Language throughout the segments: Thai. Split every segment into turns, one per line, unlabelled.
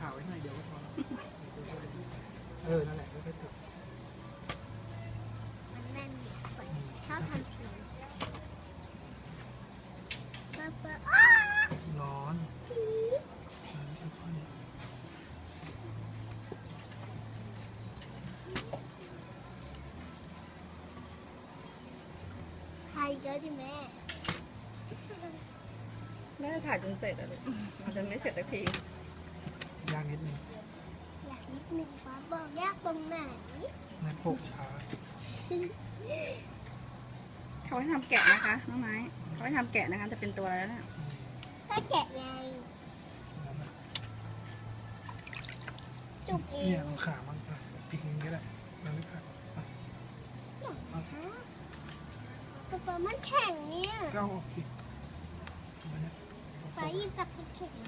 ไว้หน่อยเดียวก็พอนั่นแหละก็ถูก
มันแน่นสวยชอบทำที
ร้อน
ใครเยอะดิแม่
แม่ถ่ายจนเสร็จแล้วลูกมันจะไม่เสร็จสักที
ยากนิดนึง
อยากนิดนึงป้าบอกยากตรงไหน
งั้นโปกช้า
เขาให้ทำแกะนะคะน้องไม้เขาให้ทำแกะนะคะจะเป็นตัวแล้วเนี่ย
ก็แกะไงจุกเอ
เนี่ย
ง
เอาขามันพลิกอย่างนี้ก็ได้มันไม่ขาด
ป้ามันแข็งเนี่ย
ก็เอาออกสิมันเนี่ย
ป้าหยิบจับมันแข็ง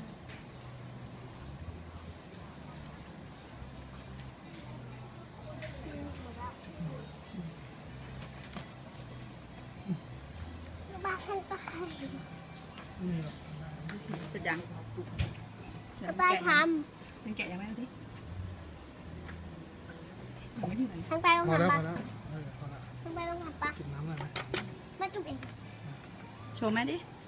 บ้าทันตาย
นี่หรอก
เสร็จยัง
ป้าท
ยังแกะยังไม่เอาดิยังไม่ถึงไหน
ำทางใต้ต้อง
พอแล้ว
ทำ
พ
ปะ
อแล้วพอแล้ว
ทางใต้ต้องทำปะ
จุ่มน้ำหน่อยไหม
มาจุกเอง
โชว์แม่ดิ
เ